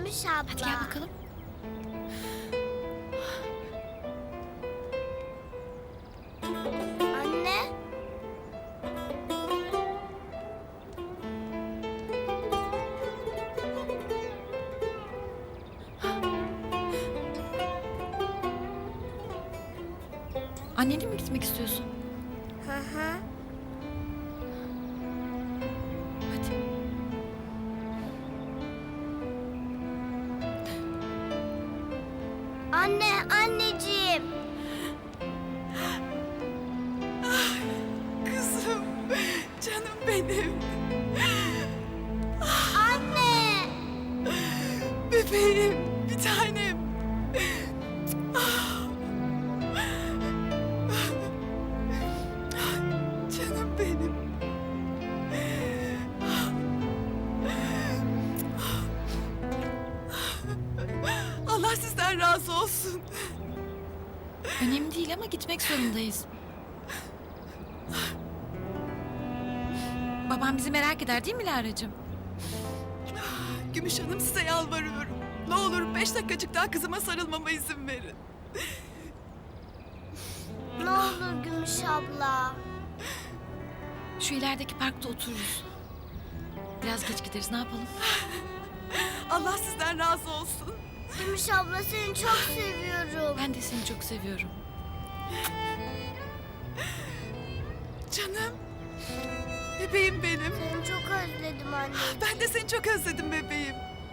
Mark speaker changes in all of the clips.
Speaker 1: Gümüş abla.
Speaker 2: Hadi gel bakalım.
Speaker 1: Anne.
Speaker 2: Annenle mi gitmek istiyorsun?
Speaker 1: Hı hı.
Speaker 2: Hadi.
Speaker 1: Anne, anneciğim.
Speaker 3: Kızım, canım benim,
Speaker 1: Anne.
Speaker 3: bebeğim, bir tanem. Canım benim. Allah sizden razı olsun.
Speaker 2: Önemli değil ama gitmek zorundayız. Babam bizi merak eder değil mi Lara'cığım?
Speaker 3: Gümüş Hanım, size yalvarıyorum. Ne olur 5 dakikacık daha kızıma sarılmama izin verin.
Speaker 1: Ne olur Gümüş abla.
Speaker 2: Şu ilerideki parkta otururuz. Biraz geç gideriz, ne yapalım?
Speaker 3: Allah sizden razı olsun.
Speaker 1: Gümüş abla seni çok seviyorum.
Speaker 2: Ben de seni çok seviyorum.
Speaker 3: Canım, bebeğim benim.
Speaker 1: Seni çok özledim anne.
Speaker 3: Ben de seni çok özledim bebeğim.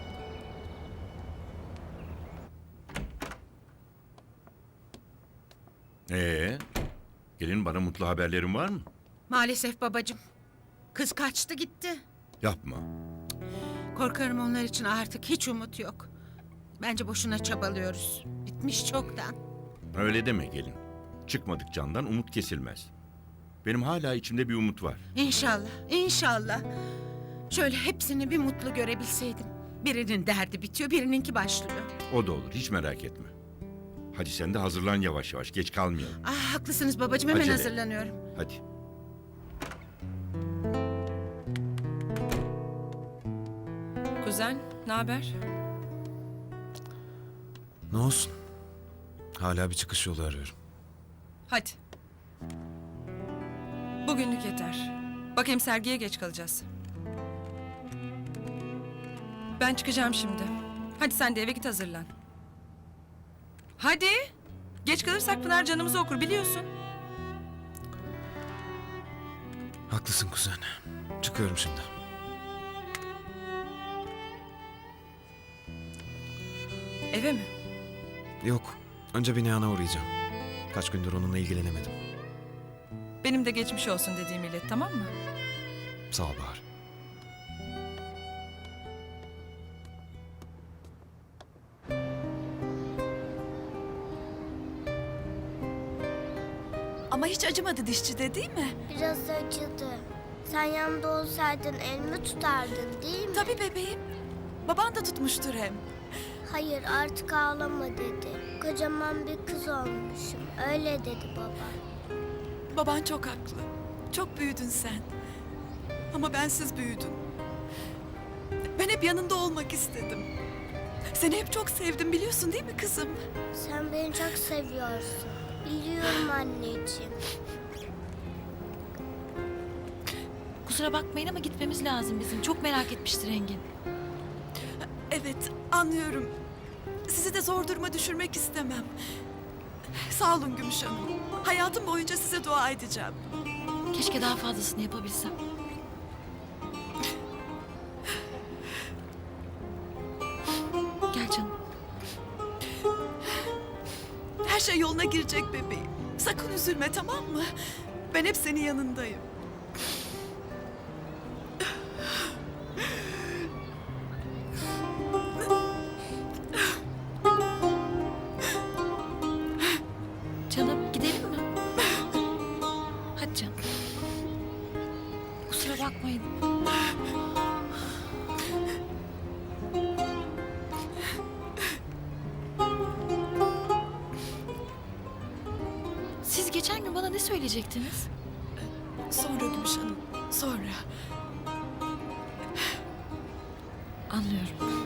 Speaker 4: Gelin, bana mutlu haberlerin var mı?
Speaker 5: Maalesef babacığım. Kız kaçtı gitti.
Speaker 4: Yapma.
Speaker 5: Korkarım onlar için artık hiç umut yok. Bence boşuna çabalıyoruz. Bitmiş çoktan.
Speaker 4: Öyle deme gelin. Çıkmadık candan umut kesilmez. Benim hala içimde bir umut var.
Speaker 5: İnşallah, inşallah. Şöyle hepsini bir mutlu görebilseydim. Birinin derdi bitiyor, birininki başlıyor.
Speaker 4: O da olur, hiç merak etme. Hadi sen de hazırlan yavaş yavaş, geç kalmayalım.
Speaker 5: Ah, haklısınız babacığım, hemen
Speaker 4: Acele.
Speaker 5: hazırlanıyorum.
Speaker 4: Hadi.
Speaker 6: Kuzen, ne haber?
Speaker 7: Ne olsun? Hala bir çıkış yolu arıyorum.
Speaker 6: Hadi. Bugünlük yeter. Bak hem sergiye geç kalacağız. Ben çıkacağım şimdi. Hadi sen de eve git, hazırlan. Hadi. Geç kalırsak Pınar canımızı okur, biliyorsun.
Speaker 7: Haklısın kuzen. Çıkıyorum şimdi.
Speaker 6: Eve mi?
Speaker 7: Yok. Önce bir Nihan'a uğrayacağım. Kaç gündür onunla ilgilenemedim.
Speaker 6: Benim de geçmiş olsun dediğimi ilet, tamam mı?
Speaker 7: Sağ ol Bahar.
Speaker 3: Ama hiç acımadı dişçide, değil mi?
Speaker 1: Biraz acıdı. Sen yanımda olsaydın elimi tutardın değil mi?
Speaker 3: Tabii bebeğim. Baban da tutmuştur hem.
Speaker 1: Hayır artık ağlama dedi. Kocaman bir kız olmuşum. Öyle dedi baba.
Speaker 3: Baban çok haklı. Çok büyüdün sen. Ama bensiz büyüdün. Ben hep yanında olmak istedim. Seni hep çok sevdim, biliyorsun değil mi kızım?
Speaker 1: Sen beni çok seviyorsun. Biliyorum anneciğim.
Speaker 2: Kusura bakmayın ama gitmemiz lazım bizim. Çok merak etmiştir Engin.
Speaker 3: Evet, anlıyorum. Sizi de zor duruma düşürmek istemem. Sağ olun Gümüş Hanım. Hayatım boyunca size dua edeceğim.
Speaker 2: Keşke daha fazlasını yapabilsem. Gel canım.
Speaker 3: Her şey yoluna girecek bebeğim. Sakın üzülme, tamam mı? Ben hep senin yanındayım.
Speaker 2: Canım gidelim mi? Hadi canım. Kusura bakmayın. Siz geçen gün bana ne söyleyecektiniz?
Speaker 3: Sonra Gümüş Hanım, sonra.
Speaker 2: Anlıyorum.